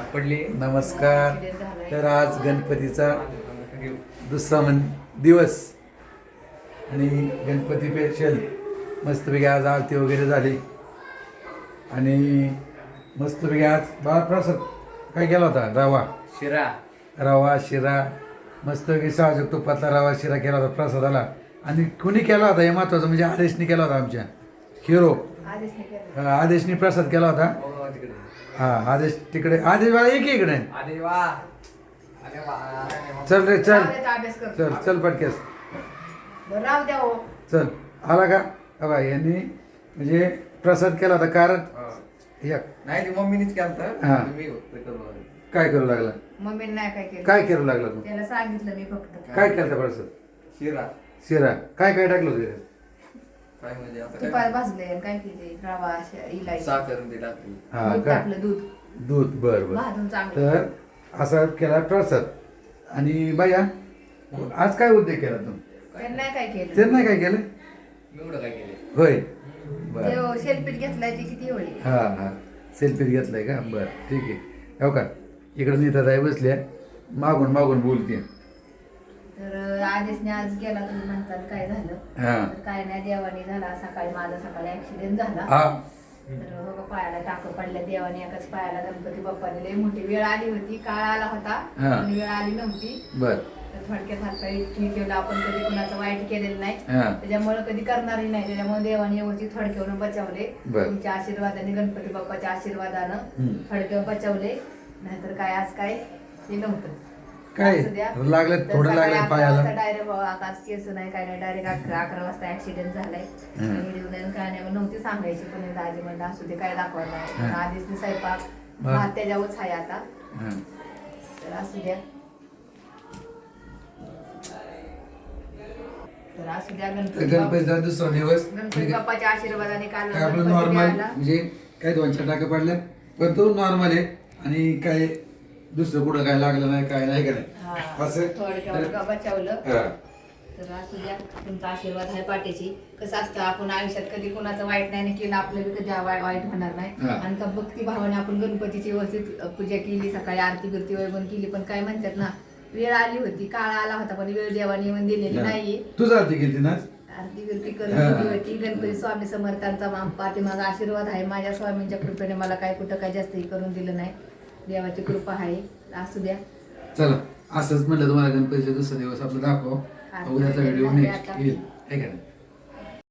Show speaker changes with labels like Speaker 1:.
Speaker 1: पडली.
Speaker 2: नमस्कार. तर आज गणपतीचा दुसरा दिवस आणि गणपती स्पेशल मस्तपैकी आज आरती वगैरे झाली आणि मस्तपैकी आज बाळप्रसाद काय केला होता? रवा शिरा मस्तपैकी साजूक तुपातला रवा शिरा केला होता प्रसादाला. आणि कुणी केला होता हे महत्वाचं म्हणजे आदेशने केला होता. आमच्या हिरो आदेशने प्रसाद केला होता. हा आदेश तिकडे. आदेश बाळा एक इकडे. चल रे चल चल चल पटकेस चल. आला का? बघा यांनी म्हणजे प्रसाद केला होता. कारण
Speaker 1: नाही मम्मीनेच केलं.
Speaker 2: हा काय करू लागला?
Speaker 3: मम्मीने नाही काय केलं.
Speaker 2: काय करू लागला तू?
Speaker 3: त्याला सांगितलं मी फक्त.
Speaker 2: काय केलं होतं प्रसाद? शिरा काय काय टाकलं होतं त्याच्यात?
Speaker 1: काय म्हणजे आता
Speaker 3: तुपात भाजले आणि काय केले रवा इलायची
Speaker 1: साखर ते टाकली.
Speaker 2: हा
Speaker 3: दूध
Speaker 2: का?
Speaker 3: टाकलं दूध
Speaker 2: दूध. बर बर.
Speaker 3: भाजून चांगलं.
Speaker 2: तर असा केला प्रसाद. आणि बाया आज काय उद्योग केला तू?
Speaker 3: त्यांनी नाही काय केलं.
Speaker 2: ते नाही काय केलं?
Speaker 1: एवढं काय केलं?
Speaker 2: होय बर.
Speaker 3: ते शेलपीठ घेतलाय ते किती होईल.
Speaker 2: हा हा सेल्फी घेतलाय का? बर ठीक आहे. हो का इकडे नीताताई बसल्या मागून मागून बोलते.
Speaker 3: तर आदेशने आज गेला तुम्ही म्हणतात काय झालं.
Speaker 2: हा
Speaker 3: तर काय नाही देवाने झाला. माझा सकाळी ऍक्सिडेंट झाला.
Speaker 2: हा
Speaker 3: तर हो पायाला टाकं पडल्या देवाने. एकाच पायाला गणपती बाप्पाने लई मोठी वेळ आली होती. काळ आला होता
Speaker 2: हा.
Speaker 3: पण वेळ आली नव्हती.
Speaker 2: बर.
Speaker 3: तर थोडक्यात हातपाय ठीक केलं. आपण कधी कुणाचं वाईट केलेलं नाही.
Speaker 2: हा
Speaker 3: त्याच्यामुळे कधी करणारही नाही. त्याच्यामुळे देवाने व्यवस्थित थोडक्यावरून बचावले.
Speaker 2: बर.
Speaker 3: तुमच्या आशीर्वादाने गणपती बाप्पाच्या आशीर्वादानं थोडक्यावर बचावले. नाहीतर काय आज काय हे नव्हतं.
Speaker 2: काय
Speaker 3: असू द्या.
Speaker 2: लागलं?
Speaker 3: तर
Speaker 2: थोडं
Speaker 3: सकाळी
Speaker 2: लागलं
Speaker 3: 11
Speaker 2: पायाला?
Speaker 3: वाजता डायरेक्ट आकाश केस नाही काय नाही डायरेक्ट 11 वाजता ऍक्सिडेंट झालाय. आणि काय नाही नव्हती सांगायची पण दाजी म्हणलं असू दे काय दाखवायला नाही. आधीच स्वयंपाक भात त्याच्यावरच आहे आता.
Speaker 2: हा.
Speaker 3: तर असू द्या. तर असू द्या
Speaker 2: गणपतीचा दुसरा दिवस
Speaker 3: गणपती बाप्पाच्या आशीर्वादाने काल
Speaker 2: काय आपलं
Speaker 3: गणपती
Speaker 2: नॉर्मल
Speaker 3: मिळाला.
Speaker 2: म्हणजे काय 2-4 टाके पडल्या पण तो नॉर्मल आहे. आणि काय दुसरं कुठं काय लागलं नाही काय नाही का
Speaker 3: हा,
Speaker 2: नाही असं
Speaker 3: थोडक्यावर बचावलं.
Speaker 2: हा.
Speaker 3: तर असू द्या तुमचा आशीर्वाद आहे पाठीची. कसं असतं आपण आयुष्यात कधी कुणाचं वाईट नाही केलं आपल्याला कधी वाईट होणार नाही.
Speaker 2: हा.
Speaker 3: आणि का भक्ती भावाने आपण गणपतीची व्यवस्थित पूजा केली. सकाळी आरती बिरती वगैरे केली. पण काय म्हणतात ना वेळ आली होती काळ आला होता पण वेळ देवाने येऊन दिलेली नाहीये.
Speaker 2: तूच आरती केली ना?
Speaker 3: आरती बिरती करून होती. गणपती स्वामी समर्थांचा पाठीमागा आशीर्वाद आहे. माझ्या स्वामींच्या कृपेने मला काय कुठं काय जास्तही करून दिलं नाही. देवाची कृपा आहे. असू द्या.
Speaker 2: चला असंच म्हटलं तुम्हाला गणपतीचा दुसरा दिवस आपलं दाखव. उद्याचा व्हिडिओ नेक्स्ट येईल. आहे का नाही?